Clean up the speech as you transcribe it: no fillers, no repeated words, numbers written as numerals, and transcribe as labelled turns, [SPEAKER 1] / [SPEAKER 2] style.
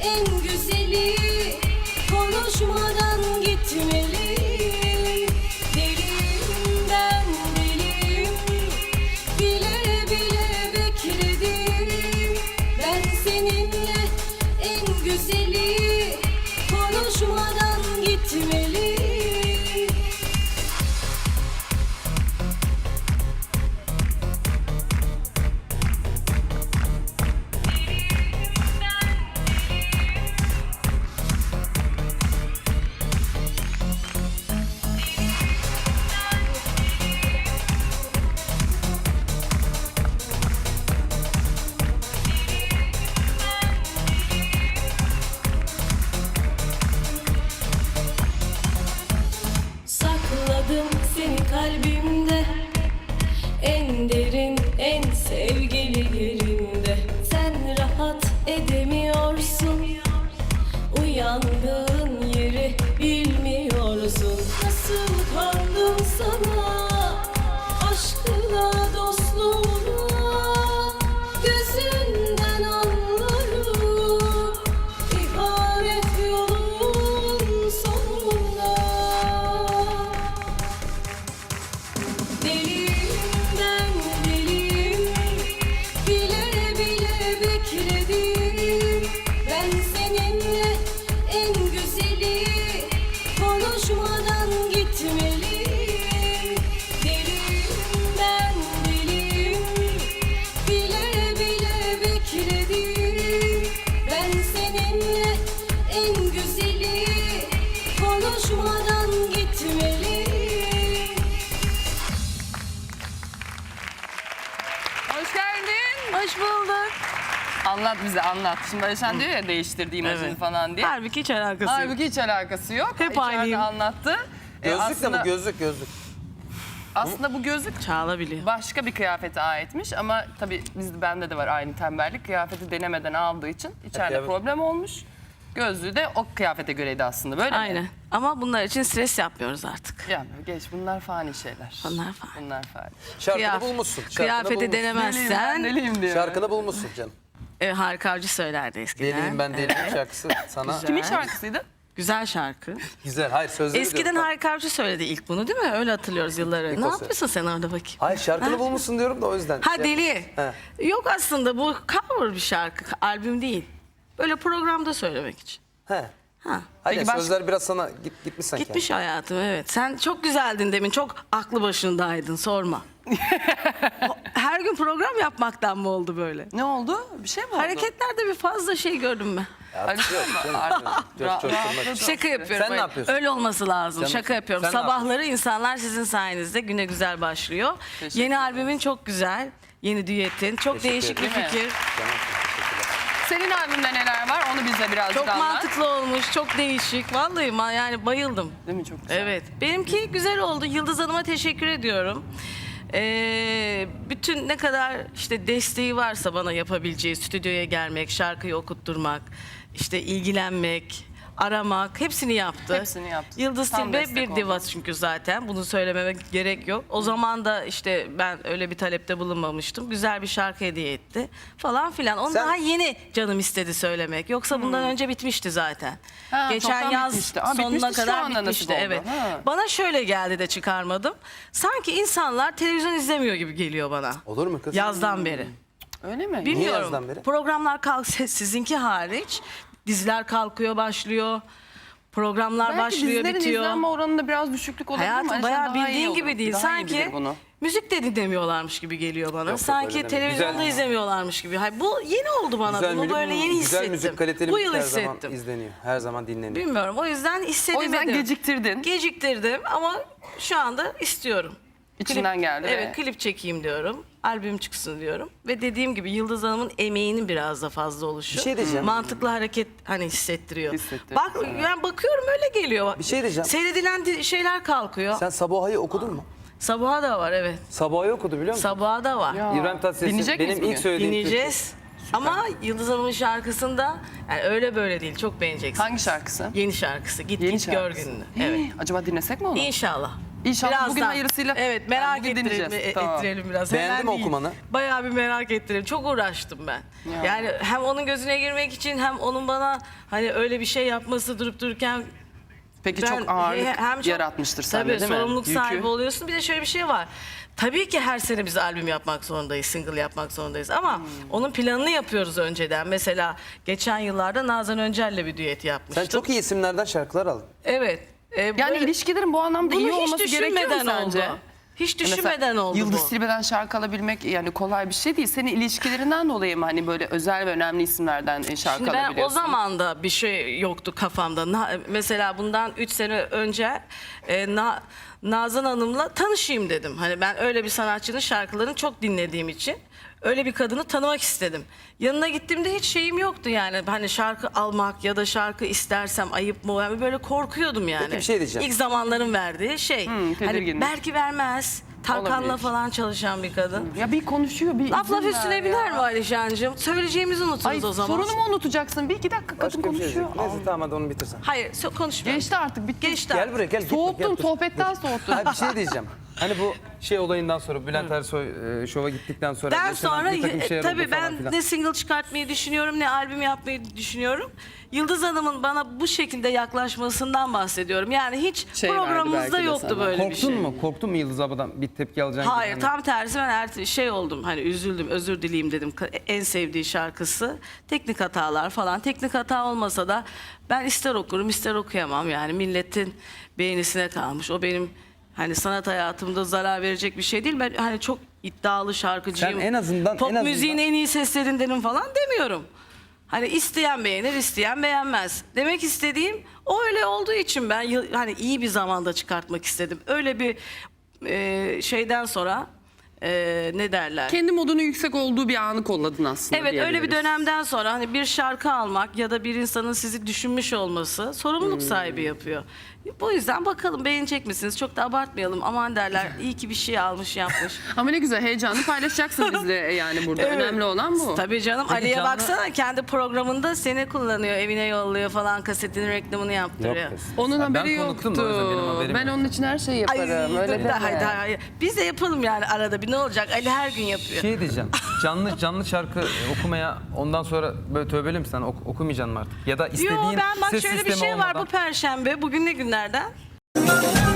[SPEAKER 1] en güzeli, konuşmadan gitmeli. Deliyim ben deliyim, bile bile bekledim. Ben seninle en güzeli, konuşmadan gitmeli. Sakladım seni kalbimde, en derin, en sevgili yerinde. Sen rahat edemiyorsun, uyandığın yeri bilmiyorsun. Nasıl kandım sana, aşkına, dostluğuna, gözünden anlarım ihanet yolun sonunda. Deliyim ben deliyim, bile bile bekledim. Ben seninle en güzeli, konuşmadan gitmeliyim. Deliyim ben deliyim, bile bile bekledim. Ben seninle en güzeli, konuşmadan gitmeliyim.
[SPEAKER 2] Hoş geldin.
[SPEAKER 3] Hoş bulduk.
[SPEAKER 2] Anlat bize anlat. Şimdi Ayşen diyor ya değiştirdi imajını
[SPEAKER 3] Evet.
[SPEAKER 2] falan diye.
[SPEAKER 3] Halbuki hiç alakası yok.
[SPEAKER 2] Halbuki hiç alakası yok.
[SPEAKER 3] Hep
[SPEAKER 2] İçeride
[SPEAKER 3] aynıyım.
[SPEAKER 2] anlattı.
[SPEAKER 4] Gözlük de bu gözlük.
[SPEAKER 2] Aslında bu gözlük
[SPEAKER 3] Çağla biliyor.
[SPEAKER 2] başka bir kıyafete aitmiş ama tabii bende de var aynı tembellik. Kıyafeti denemeden aldığı için içeride
[SPEAKER 4] kıyafet-
[SPEAKER 2] problem olmuş. Gözlüğü de o kıyafete göreydi aslında, böyle
[SPEAKER 3] Aynen.
[SPEAKER 2] mi?
[SPEAKER 3] Ama bunlar için stres yapmıyoruz artık.
[SPEAKER 2] Ya geç, bunlar fani şeyler.
[SPEAKER 3] Bunlar fani.
[SPEAKER 2] Bunlar fani.
[SPEAKER 4] Şarkını bulmuşsun. Şarkını
[SPEAKER 3] Kıyafeti
[SPEAKER 4] bulmuşsun.
[SPEAKER 3] denemezsen
[SPEAKER 2] Deliyim diyor.
[SPEAKER 4] Şarkını bulmuşsun canım.
[SPEAKER 3] Harika Avcı söylerdi eskiden.
[SPEAKER 4] Deliyim ben deliyim şarkısı sana.
[SPEAKER 3] Güzel.
[SPEAKER 2] Kimin şarkısıydı?
[SPEAKER 3] Güzel şarkı.
[SPEAKER 4] Güzel. Hayır sözleri
[SPEAKER 3] Eskiden
[SPEAKER 4] diyorum.
[SPEAKER 3] Harika Avcı söyledi ilk bunu, değil mi? Öyle hatırlıyoruz yıllar önce. Ne
[SPEAKER 4] o
[SPEAKER 3] yapıyorsun sen orada bakayım?
[SPEAKER 4] Hayır şarkını bulmuşsun diyorum da o yüzden.
[SPEAKER 3] Ha
[SPEAKER 4] Şey-
[SPEAKER 3] deli.
[SPEAKER 4] He.
[SPEAKER 3] Yok aslında bu cover bir şarkı. Albüm değil. Böyle programda söylemek için.
[SPEAKER 4] He.
[SPEAKER 3] Ha.
[SPEAKER 4] Hayır
[SPEAKER 2] Peki
[SPEAKER 4] sözler biraz sana gitmiş sanki.
[SPEAKER 3] Gitmiş hayatım, evet. Sen çok güzeldin demin. Çok aklı başındaydın, sorma. Her gün program yapmaktan mı oldu böyle?
[SPEAKER 2] Ne oldu? Bir şey mi oldu?
[SPEAKER 3] Hareketlerde bir fazla şey gördüm ben.
[SPEAKER 4] Artık yok canım. Coşturmak için.
[SPEAKER 3] Şaka yapıyorum.
[SPEAKER 4] Sen ne yapıyorsun?
[SPEAKER 3] Öyle olması lazım.
[SPEAKER 4] Sen-
[SPEAKER 3] Şaka yapıyorum.
[SPEAKER 4] sen ne
[SPEAKER 3] Sabahları insanlar sizin sayenizde güne güzel başlıyor.
[SPEAKER 2] Teşekkür
[SPEAKER 3] Yeni
[SPEAKER 2] ederim.
[SPEAKER 3] albümün çok güzel. Yeni düetin. Çok
[SPEAKER 4] Teşekkür
[SPEAKER 3] değişik bir
[SPEAKER 2] ederim. Değil mi?
[SPEAKER 3] fikir.
[SPEAKER 4] Tamam, teşekkürler.
[SPEAKER 2] Senin albümde neler var? Onu bize birazcık
[SPEAKER 3] Çok
[SPEAKER 2] anlat.
[SPEAKER 3] mantıklı olmuş. Çok değişik. Vallahi yani bayıldım.
[SPEAKER 2] Değil mi? Çok güzel.
[SPEAKER 3] Evet. Benimki güzel oldu. Yıldız Hanım'a teşekkür ediyorum. Bütün ne kadar işte desteği varsa bana yapabileceği, stüdyoya gelmek, şarkıyı okutturmak, işte ilgilenmek, aramak, hepsini yaptı.
[SPEAKER 2] Hepsini yaptı.
[SPEAKER 3] Yıldız
[SPEAKER 2] Tam
[SPEAKER 3] Tilbe
[SPEAKER 2] destek
[SPEAKER 3] bir
[SPEAKER 2] oldu.
[SPEAKER 3] diva çünkü zaten. Bunu söylememe gerek yok. O zaman da işte ben öyle bir talepte bulunmamıştım. Güzel bir şarkı hediye etti falan filan. Onu
[SPEAKER 4] Sen-
[SPEAKER 3] daha yeni canım istedi söylemek. Yoksa bundan önce bitmişti zaten.
[SPEAKER 2] Ha,
[SPEAKER 3] Geçen
[SPEAKER 2] çoktan
[SPEAKER 3] yaz
[SPEAKER 2] bitmişti. Ama
[SPEAKER 3] sonuna
[SPEAKER 2] bitmişti, şu
[SPEAKER 3] kadar
[SPEAKER 2] anda nasip
[SPEAKER 3] bitmişti.
[SPEAKER 2] oldu.
[SPEAKER 3] Evet.
[SPEAKER 2] Ha.
[SPEAKER 3] Bana şöyle geldi de çıkarmadım. Sanki insanlar televizyon izlemiyor gibi geliyor bana.
[SPEAKER 4] Olur mu kız?
[SPEAKER 3] Yazdan beri.
[SPEAKER 2] Öyle mi?
[SPEAKER 3] Bilmiyorum.
[SPEAKER 4] yazdan beri?
[SPEAKER 3] Programlar sizinki hariç. Diziler kalkıyor, başlıyor. Programlar
[SPEAKER 2] Belki
[SPEAKER 3] başlıyor,
[SPEAKER 2] dizilerin
[SPEAKER 3] bitiyor.
[SPEAKER 2] izlenme oranında biraz düşüklük olabilir ama
[SPEAKER 3] Hayatım
[SPEAKER 2] Ayşen
[SPEAKER 3] bayağı
[SPEAKER 2] daha iyi
[SPEAKER 3] bildiğin
[SPEAKER 2] olur.
[SPEAKER 3] gibi değil.
[SPEAKER 2] Daha iyi
[SPEAKER 3] Sanki
[SPEAKER 2] bilir bunu.
[SPEAKER 3] müzik de dinlemiyorlarmış gibi geliyor bana.
[SPEAKER 4] yok,
[SPEAKER 3] Sanki
[SPEAKER 4] öyle deme.
[SPEAKER 3] televizyonda
[SPEAKER 4] Güzel.
[SPEAKER 3] izlemiyorlarmış gibi. Hayır, bu yeni oldu bana.
[SPEAKER 4] Güzel
[SPEAKER 3] Bunu
[SPEAKER 4] müzik,
[SPEAKER 3] böyle yeni hissettim.
[SPEAKER 4] güzel müzik kaliteli
[SPEAKER 3] Bu
[SPEAKER 4] müzik
[SPEAKER 3] yıl
[SPEAKER 4] her zaman
[SPEAKER 3] hissettim.
[SPEAKER 4] izleniyor. Her zaman dinleniyor.
[SPEAKER 3] Bilmiyorum. O yüzden hissedemedim.
[SPEAKER 2] O yüzden geciktirdin.
[SPEAKER 3] Geciktirdim ama şu anda istiyorum.
[SPEAKER 2] İçinden geldi
[SPEAKER 3] Evet,
[SPEAKER 2] ve-
[SPEAKER 3] klip çekeyim diyorum. Albüm çıksın diyorum. Ve dediğim gibi Yıldız Hanım'ın emeğinin biraz da fazla oluşu.
[SPEAKER 4] Bir şey diyeceğim.
[SPEAKER 3] Mantıklı hareket hani hissettiriyor.
[SPEAKER 2] Hissettiriyor.
[SPEAKER 3] Bak ben bakıyorum öyle geliyor.
[SPEAKER 4] Bir şey diyeceğim.
[SPEAKER 3] Seyredilen şeyler kalkıyor.
[SPEAKER 4] Sen Sabaha'yı okudun mu?
[SPEAKER 3] Sabaha da var, evet.
[SPEAKER 4] Sabaha'yı okudu biliyor musun?
[SPEAKER 3] Sabaha da var.
[SPEAKER 2] Ya,
[SPEAKER 4] İbrahim Tatlıses'in
[SPEAKER 2] dinleyecek miyiz
[SPEAKER 4] benim ilk
[SPEAKER 2] bugün?
[SPEAKER 4] söylediğim
[SPEAKER 3] Dinleyeceğiz. Ama Yıldız Hanım'ın şarkısında yani öyle böyle değil. Çok beğeneceksin.
[SPEAKER 2] Hangi şarkısı?
[SPEAKER 3] Yeni şarkısı. Git
[SPEAKER 2] Yeni
[SPEAKER 3] git gör
[SPEAKER 2] şarkısı.
[SPEAKER 3] gününü.
[SPEAKER 2] Hii,
[SPEAKER 3] Evet.
[SPEAKER 2] Acaba dinlesek mi onu?
[SPEAKER 3] İnşallah.
[SPEAKER 2] İnşallah bugün
[SPEAKER 3] Birazdan.
[SPEAKER 2] hayırlısıyla.
[SPEAKER 3] Evet, merak
[SPEAKER 2] bugün
[SPEAKER 3] ettirelim,
[SPEAKER 2] dinleyeceğiz. Tamam.
[SPEAKER 3] ettirelim biraz.
[SPEAKER 4] Beğendin
[SPEAKER 3] Hemen
[SPEAKER 4] mi
[SPEAKER 3] değil.
[SPEAKER 4] okumanı?
[SPEAKER 3] Bayağı bir merak ettirelim. Çok uğraştım ben.
[SPEAKER 2] Ya.
[SPEAKER 3] Yani hem onun gözüne girmek için hem onun bana hani öyle bir şey yapması durup dururken
[SPEAKER 2] Peki
[SPEAKER 3] ben
[SPEAKER 2] çok ağırlık
[SPEAKER 3] hem çok-
[SPEAKER 2] yaratmıştır sende
[SPEAKER 3] tabii,
[SPEAKER 2] değil mi?
[SPEAKER 3] sorumluluk
[SPEAKER 2] Yükü.
[SPEAKER 3] sahibi oluyorsun. Bir de şöyle bir şey var. Tabii ki her sene biz albüm yapmak zorundayız, single yapmak zorundayız ama onun planını yapıyoruz önceden. Mesela geçen yıllarda Nazan Öncel'le bir düet yapmıştım.
[SPEAKER 4] Sen çok iyi isimlerden şarkılar aldın.
[SPEAKER 3] Evet.
[SPEAKER 2] Yani
[SPEAKER 3] böyle-
[SPEAKER 2] ilişkilerin bu anlamda iyi
[SPEAKER 3] Bunu hiç
[SPEAKER 2] olması gerekiyor mu
[SPEAKER 3] düşünmeden
[SPEAKER 2] sence?
[SPEAKER 3] oldu. Hiç
[SPEAKER 2] Mesela
[SPEAKER 3] düşünmeden oldu
[SPEAKER 2] Yıldız
[SPEAKER 3] bu.
[SPEAKER 2] Tilbe'den şarkı alabilmek yani kolay bir şey değil. Senin ilişkilerinden dolayı mı hani böyle özel ve önemli isimlerden şarkı
[SPEAKER 3] Şimdi ben
[SPEAKER 2] alabiliyorsun?
[SPEAKER 3] o zaman da bir şey yoktu kafamda. Mesela bundan 3 sene önce Nazan Hanım'la tanışayım dedim. Hani ben öyle bir sanatçının şarkılarını çok dinlediğim için öyle bir kadını tanımak istedim. Yanına gittiğimde hiç şeyim yoktu yani. Hani şarkı almak ya da şarkı istersem ayıp mı? Yani böyle korkuyordum yani.
[SPEAKER 4] Peki bir şey diyeceğim.
[SPEAKER 3] İlk zamanların verdiği şey. Hani
[SPEAKER 2] tedirginlik.
[SPEAKER 3] belki vermez. Tarkan'la
[SPEAKER 2] Olabilir.
[SPEAKER 3] falan çalışan bir kadın.
[SPEAKER 2] Ya bir konuşuyor bir
[SPEAKER 3] Laf laf
[SPEAKER 2] izin ver
[SPEAKER 3] üstüne
[SPEAKER 2] ya.
[SPEAKER 3] biner mi Alişancığım? Söyleyeceğimizi unuturuz
[SPEAKER 2] Ay
[SPEAKER 3] o zaman.
[SPEAKER 2] sorunumu unutacaksın. Bir iki dakika kadın
[SPEAKER 4] Başka bir şey
[SPEAKER 2] konuşuyor.
[SPEAKER 4] diyecek. Neyse tamam hadi onu bitirsen.
[SPEAKER 3] Hayır konuşmuyorum.
[SPEAKER 2] Geçti artık bitti.
[SPEAKER 3] Geçti.
[SPEAKER 4] Gel buraya gel. gitme,
[SPEAKER 2] Soğuttun
[SPEAKER 4] gel, dur.
[SPEAKER 2] sohbetten soğuttun.
[SPEAKER 4] Hayır bir şey diyeceğim. Hani bu şey olayından sonra Bülent Ersoy şova gittikten sonra
[SPEAKER 3] Ben
[SPEAKER 4] yaşanan
[SPEAKER 3] sonra
[SPEAKER 4] bir takım şeyler oldu
[SPEAKER 3] tabii
[SPEAKER 4] falan
[SPEAKER 3] ben
[SPEAKER 4] filan.
[SPEAKER 3] ne single çıkartmayı düşünüyorum ne albüm yapmayı düşünüyorum. Yıldız Hanım'ın bana bu şekilde yaklaşmasından bahsediyorum. Yani hiç
[SPEAKER 2] Şey verdi belki
[SPEAKER 3] programımızda
[SPEAKER 2] de
[SPEAKER 3] yoktu
[SPEAKER 2] sana.
[SPEAKER 3] böyle bir
[SPEAKER 4] Korktun
[SPEAKER 3] şey.
[SPEAKER 4] mu? Korktun mu Yıldız abladan bir tepki alacağın gibi?
[SPEAKER 3] Hayır
[SPEAKER 4] Hani-
[SPEAKER 3] tam tersi ben şey oldum hani üzüldüm özür dileyim dedim en sevdiği şarkısı teknik hatalar falan teknik hata olmasa da ben ister okurum ister okuyamam yani milletin beğenisine kalmış o benim hani sanat hayatımda zarar verecek bir şey değil ben hani çok iddialı şarkıcıyım
[SPEAKER 4] Sen en azından-
[SPEAKER 3] pop
[SPEAKER 4] en azından-
[SPEAKER 3] müziğin en iyi seslerindenim falan demiyorum. Hani isteyen beğenir, isteyen beğenmez. Demek istediğim o öyle olduğu için ben hani iyi bir zamanda çıkartmak istedim. Öyle bir şeyden sonra ne derler?
[SPEAKER 2] Kendi modunun yüksek olduğu bir anı kolladın aslında.
[SPEAKER 3] Evet öyle bir
[SPEAKER 2] diyebiliriz.
[SPEAKER 3] dönemden sonra hani bir şarkı almak ya da bir insanın sizi düşünmüş olması sorumluluk sahibi yapıyor. Bu yüzden bakalım beğenecek misiniz? Çok da abartmayalım. Aman derler iyi ki bir şey almış yapmış.
[SPEAKER 2] Ama ne güzel heyecanlı paylaşacaksın bizle yani burada.
[SPEAKER 3] Evet.
[SPEAKER 2] Önemli olan bu.
[SPEAKER 3] Tabii canım
[SPEAKER 4] Peki
[SPEAKER 3] Ali'ye
[SPEAKER 4] canlı-
[SPEAKER 3] baksana kendi programında seni kullanıyor evine yolluyor falan kasetinin reklamını yaptırıyor.
[SPEAKER 4] Yok kız.
[SPEAKER 2] Onun
[SPEAKER 4] Ben
[SPEAKER 2] haberi
[SPEAKER 4] konuktum da
[SPEAKER 2] yoktu.
[SPEAKER 4] o yüzden benim haberim
[SPEAKER 2] Ben
[SPEAKER 4] yok.
[SPEAKER 2] onun için her şeyi yaparım. Öyle
[SPEAKER 3] dur,
[SPEAKER 2] deme.
[SPEAKER 3] hayır. Biz de yapalım yani arada bir ne olacak? Ali her gün yapıyor.
[SPEAKER 4] Şey diyeceğim. Canlı şarkı okumaya ondan sonra böyle tövbeli misin? Sen okumayacaksın mı artık? Ya da istediğin
[SPEAKER 3] Yo ben bak
[SPEAKER 4] ses
[SPEAKER 3] şöyle bir
[SPEAKER 4] sistemi
[SPEAKER 3] şey var
[SPEAKER 4] olmadan-
[SPEAKER 3] bu perşembe. Bugün ne günlerden?